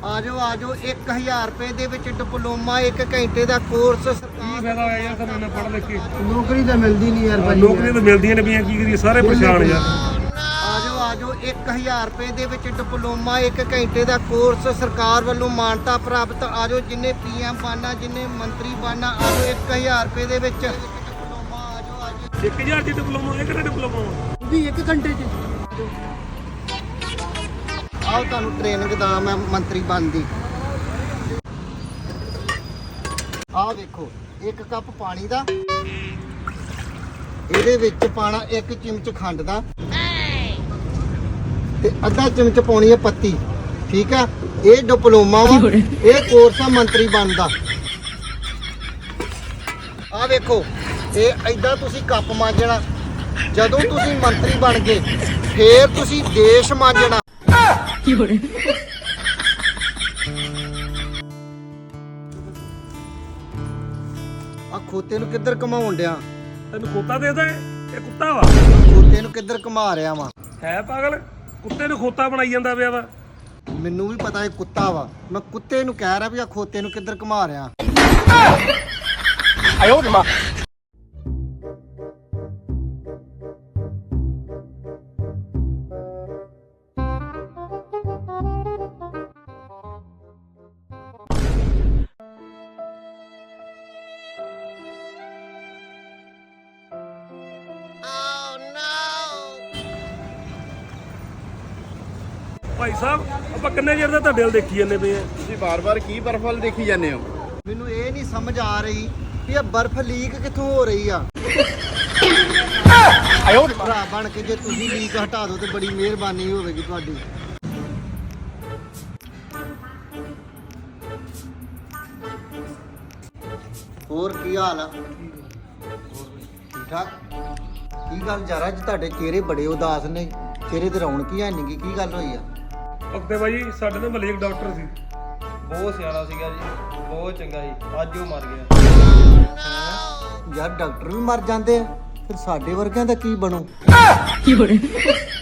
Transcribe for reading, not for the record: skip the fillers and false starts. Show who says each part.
Speaker 1: ਆਜੋ 1000 ਰੁਪਏ ਦੇ ਵਿੱਚ ਡਿਪਲੋਮਾ 1 ਘੰਟੇ ਦਾ ਕੋਰਸ ਸਰਕਾਰ
Speaker 2: ਕੀ ਫਾਇਦਾ ਹੋਇਆ ਯਾਰ ਸਾਨੂੰ ਇੰਨਾ ਪੜ੍ਹ ਲਿਖ ਕੇ?
Speaker 3: ਨੌਕਰੀ ਤਾਂ ਮਿਲਦੀ ਨਹੀਂ ਯਾਰ ਭਾਈ।
Speaker 2: ਨੌਕਰੀਆਂ ਤਾਂ ਮਿਲਦੀਆਂ ਨੇ ਪਈਆਂ, ਕੀ ਕਰੀਏ, ਸਾਰੇ ਪਰੇਸ਼ਾਨ ਯਾਰ।
Speaker 1: ਆਜੋ 1000 ਰੁਪਏ ਦੇ ਵਿੱਚ ਡਿਪਲੋਮਾ 1 ਘੰਟੇ ਦਾ ਕੋਰਸ ਸਰਕਾਰ ਵੱਲੋਂ ਮਾਨਤਾ ਪ੍ਰਾਪਤ। ਆਜੋ ਜਿੰਨੇ PM ਬਣਨਾ, ਜਿੰਨੇ ਮੰਤਰੀ ਬਣਨਾ, ਆਜੋ 1000 ਰੁਪਏ ਦੇ ਵਿੱਚ ਡਿਪਲੋਮਾ। ਆਜੋ
Speaker 2: 1000 ਦੀ ਡਿਪਲੋਮਾ, ਇਹ ਕਿਹੜਾ ਡਿਪਲੋਮਾ ਵਾ?
Speaker 3: ਵੀ 1 ਘੰਟੇ 'ਚ
Speaker 1: ਆਓ ਤੁਹਾਨੂੰ ਟ੍ਰੇਨਿੰਗ ਦਾ ਮੈਂ ਮੰਤਰੀ ਬਣਦੀ। ਆਹ ਦੇਖੋ 1 ਕੱਪ ਪਾਣੀ ਦਾ, ਇਹਦੇ ਵਿੱਚ ਪਾਣਾ 1 ਚਮਚ ਖੰਡ ਦਾ ਤੇ ਅੱਧਾ ਚਮਚ ਪਾਉਣੀ ਹੈ ਪੱਤੀ। ਠੀਕ ਆ, ਇਹ ਡਿਪਲੋਮਾ ਵਾ, ਇਹ ਕੋਰਸ ਆ ਮੰਤਰੀ ਬਣਦਾ। ਆਹ ਵੇਖੋ, ਇਹ ਏਦਾਂ ਤੁਸੀਂ ਕੱਪ ਮਾਂਜਣਾ। ਜਦੋਂ ਤੁਸੀਂ ਮੰਤਰੀ ਬਣ ਗਏ ਫੇਰ ਤੁਸੀਂ ਦੇਸ਼ ਮਾਂਜਣਾ। ਆ ਖੋਤੇ ਨੂੰ ਕਿੱਧਰ ਘਮਾਉਣ ਡਿਆ?
Speaker 2: ਤੈਨੂੰ ਖੋਤਾ ਦੇਦਾ ਇਹ ਕੁੱਤਾ ਵਾ?
Speaker 1: ਖੋਤੇ ਨੂੰ ਕਿੱਧਰ ਘਮਾ ਰਿਹਾ ਵਾ?
Speaker 2: ਹੈ ਪਾਗਲ, ਕੁੱਤੇ ਨੂੰ ਖੋਤਾ ਬਣਾਈ ਜਾਂਦਾ ਪਿਆ ਵਾ।
Speaker 1: ਮੈਨੂੰ ਵੀ ਪਤਾ ਇਹ ਕੁੱਤਾ ਵਾ, ਮੈਂ ਕੁੱਤੇ ਨੂੰ ਕਹਿ ਰਿਹਾ ਵੀ ਆ ਖੋਤੇ ਨੂੰ ਕਿੱਧਰ ਘਮਾ ਰਿਹਾ।
Speaker 2: ਭਾਈ ਸਾਹਿਬ, ਆਪਾਂ ਕਿੰਨੇ ਚਿਰ ਦਾ ਤੁਹਾਡੇ ਵੱਲ ਦੇਖੀ ਜਾਂਦੇ ਪਏ ਆ?
Speaker 3: ਤੁਸੀਂ ਬਾਰ-ਬਾਰ ਕੀ ਬਰਫਲ ਦੇਖੀ ਜਾਂਦੇ ਹੋ?
Speaker 1: ਮੈਨੂੰ ਇਹ ਨਹੀਂ ਸਮਝ ਆ ਰਹੀ ਵੀ ਇਹ ਬਰਫ਼ ਲੀਕ ਕਿੱਥੋਂ ਹੋ ਰਹੀ ਆ। ਭਰਾ ਬਣ ਕੇ ਜੇ ਤੁਸੀਂ ਲੀਕ ਹਟਾ ਦਿਓ ਤੇ ਬੜੀ ਮਿਹਰਬਾਨੀ ਹੋਵੇਗੀ ਤੁਹਾਡੀ। ਹੋਰ ਕੀ ਹਾਲ ਆ? ਠੀਕ ਠਾਕ? ਕੀ ਗੱਲ ਜਰਾ ਅੱਜ ਤੁਹਾਡੇ ਚਿਹਰੇ ਬੜੇ ਉਦਾਸ ਨੇ, ਚਿਹਰੇ ਤੇ ਰੌਣਕ ਹੀ ਹੈ ਨਹੀਂ, ਕੀ ਗੱਲ ਹੋਈ ਆ?
Speaker 2: ਓਕੇ ਬਾਈ, ਸਾਡੇ ਨਾਲ ਮਹੱਲੇ ਇੱਕ ਡਾਕਟਰ ਸੀ,
Speaker 4: ਬਹੁਤ ਸਿਆਣਾ ਸੀਗਾ ਜੀ, ਬਹੁਤ ਚੰਗਾ ਜੀ। ਅੱਜ ਉਹ ਮਰ ਗਿਆ।
Speaker 1: ਯਾਰ ਡਾਕਟਰ ਵੀ ਮਰ ਜਾਂਦੇ ਆ, ਫਿਰ ਸਾਡੇ ਵਰਗਿਆਂ ਦਾ ਕੀ ਬਣੂ?